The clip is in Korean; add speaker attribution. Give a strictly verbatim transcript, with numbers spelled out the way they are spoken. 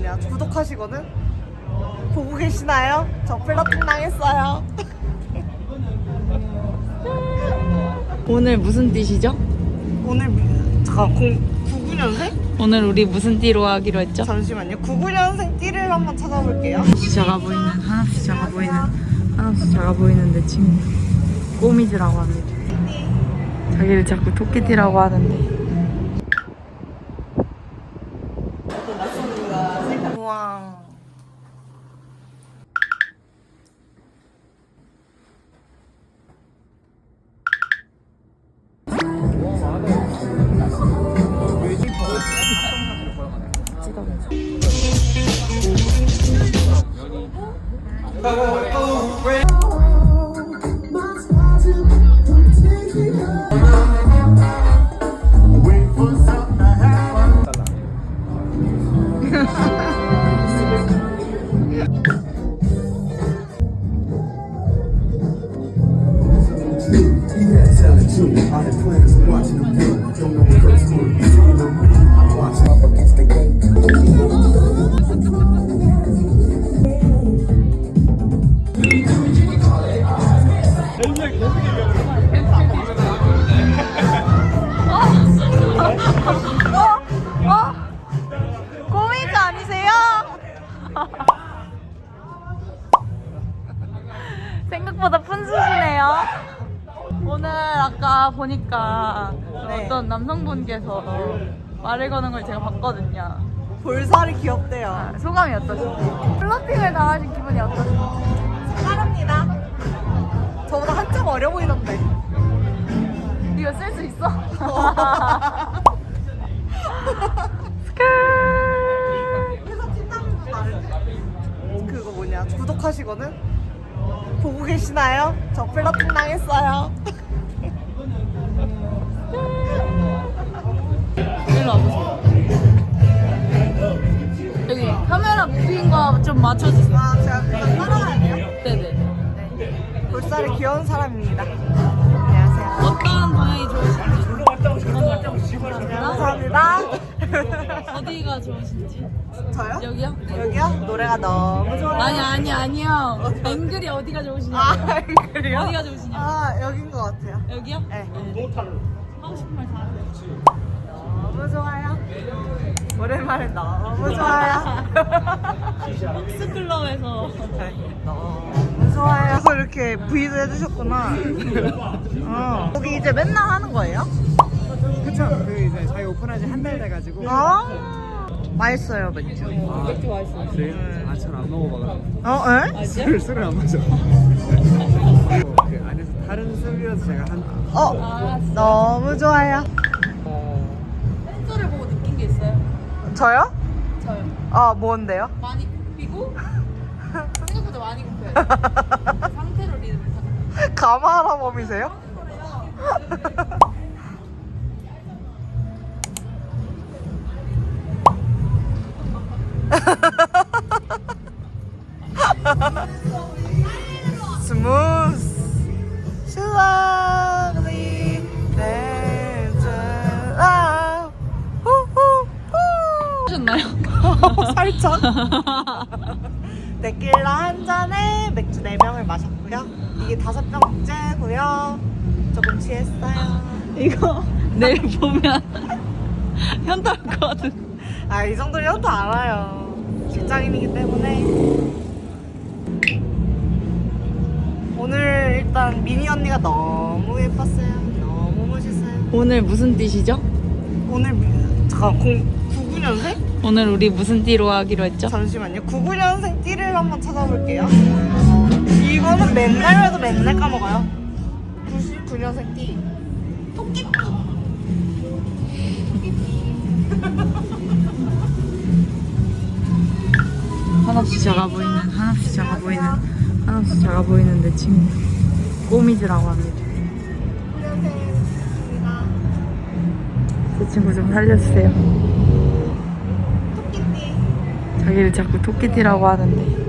Speaker 1: 뭐냐 구독하시거든? 보고 계시나요? 저 플러팅 당했어요.
Speaker 2: 오늘 무슨 띠시죠?
Speaker 1: 오늘 미- 잠깐 공, 구십구 년생?
Speaker 2: 오늘 우리 무슨 띠로 하기로 했죠?
Speaker 1: 잠시만요. 구십구 년생 띠를 한번 찾아볼게요.
Speaker 2: 한없이 작아 보이는, 한없이 작아 보이는, 한없이 작아 보이는 내 친구 꼬미즈라고 합니다. 자기를 자꾸 토끼띠라고 하는데
Speaker 1: 우와. 꼬미즈 아니세요?
Speaker 2: 생각보다 푼수시네요. 오늘 아까 보니까
Speaker 1: 네.
Speaker 2: 어떤 남성분께서 말을 거는 걸 제가 봤거든요.
Speaker 1: 볼살이 귀엽대요.
Speaker 2: 소감이 어떠신지? 플러팅을 당하신 기분이 어떠신지?
Speaker 1: 사랑합니다. 저보다 한참 어려 보이던데.
Speaker 2: 이거 쓸 수 있어?
Speaker 1: 회사 팀장님도 다른데? 그거 뭐냐 구독하시거든? 보고 계시나요? 저 플러팅 당했어요.
Speaker 2: 일로 와보세요. 여기 카메라 무빙 거 좀 맞춰주세요.
Speaker 1: 아 제가 그냥 따라가야 돼요?
Speaker 2: 네네.
Speaker 1: 볼살이 귀여운 사람입니다. 안녕하세요.
Speaker 2: 어떤 방향이 좋으신지.
Speaker 1: 감사합니다.
Speaker 2: 어디가 좋으신지.
Speaker 1: 저요?
Speaker 2: 여기요? 네.
Speaker 1: 여기요? 노래가 너무 좋아요.
Speaker 2: 아니 아니 아니요. 앵글이 어디가 좋으시냐고.
Speaker 1: 아, 그래요?
Speaker 2: 어디가 좋으시냐고.
Speaker 1: 아, 여긴 것 같아요.
Speaker 2: 여기요?
Speaker 1: 네.
Speaker 2: 하고 싶은 말 다 하세요.
Speaker 1: 너무 좋아요. 오랜만에 너무 좋아요.
Speaker 2: 믹스클럽에서
Speaker 1: 너무 좋아요. 그래서 이렇게 브이도 해주셨구나. 어. 거기 이제 맨날 하는 거예요?
Speaker 3: 그쵸. 그 이제 저희 오픈한 지 한 달 돼가지고.
Speaker 1: 아, 맛있어요, 맥주.
Speaker 2: 맥주 맛있어요.
Speaker 3: 그래요? 아, 전 안 먹어봐가지고.
Speaker 1: 어, 에?
Speaker 3: 술을, 술을 안 마셔. 그 안에서 다른 술이라서 제가 한.
Speaker 1: 어, 너무 좋아요.
Speaker 2: 팬서를 보고 느낀 게 있어요?
Speaker 1: 저요?
Speaker 2: 저요.
Speaker 1: 아, 뭔데요?
Speaker 2: 많이 굽히고 생각보다 많이 굽혀요. 상태로 리듬을 타는
Speaker 1: 가마라 범이세요? 스무스 슬라리 댄스 아 후후후
Speaker 2: 하셨나요?
Speaker 1: 살짝 데킬라 한 잔에 맥주 네 병을 마셨고요. 이게 다섯 병째고요. 조금 취했어요.
Speaker 2: 이거 내일 보면 현타 올것 같은.
Speaker 1: 아, 이 정도면 또 알아요. 직장인이기 때문에. 오늘 일단 미니 언니가 너무 예뻤어요. 너무 멋있어요.
Speaker 2: 오늘 무슨 띠시죠?
Speaker 1: 오늘 미- 잠깐 공, 구십구 년생?
Speaker 2: 오늘 우리 무슨 띠로 하기로 했죠?
Speaker 1: 잠시만요. 구십구 년생 띠를 한번 찾아볼게요. 이거는 맨날 해도 맨날 까먹어요. 구십구 년생 띠. 토끼띠.
Speaker 2: 한없이 작아 보이는, 한없이 작아 보이는, 한없이 작아 보이는 내 친구 꼬미즈라고 합니다.
Speaker 1: 안녕하세요.
Speaker 2: 제 친구 좀 살려주세요.
Speaker 1: 토끼띠.
Speaker 2: 자기를 자꾸 토끼띠라고 하는데